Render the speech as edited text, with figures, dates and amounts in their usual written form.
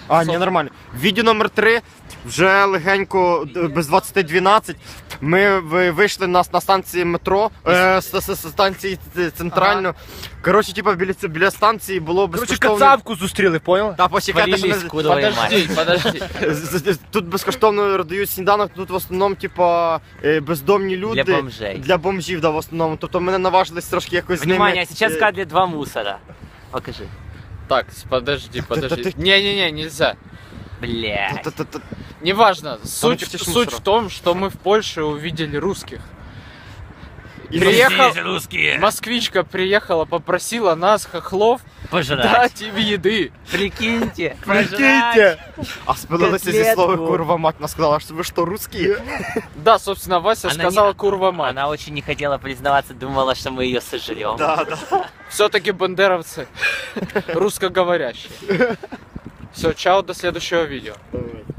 А, ні, нормально. Відео номер 3, вже легенько, без 20:12, ми вийшли на станції метро, станції центральної. Коротше, типа, біля станції було безкоштовно... Кацапку зустріли, понял? Та, почекайте, що Спалились, куда Подожди. тут безкоштовно роздають сніданок, тут в основному, типа, бездомні люди. Для бомжей. Для бомжів, да, в основному. Тобто ми не наважились трошки якось з ними... Внимание, сейчас кадрит 2 мусора. Покажи. Так, подожди. Не-не-не, нельзя. Блядь. Та-та-та. Неважно. почти ж Суть мусора. в том, что мы в Польше увидели русских. Здесь русские. Москвичка приехала, попросила нас, хохлов, Пожрать. дать им еды. Прикиньте. Прикиньте! А спилилися зі Котлетку. слова курва мать, вона сказала, що ви що, русські? Да, собственно, Вася Она сказала не- курва мать. Она очень не хотела признаваться, думала, что мы ее сожрем. Да, да. Все-таки бандеровцы русскоговорящие. Все, чао, до следующего видео.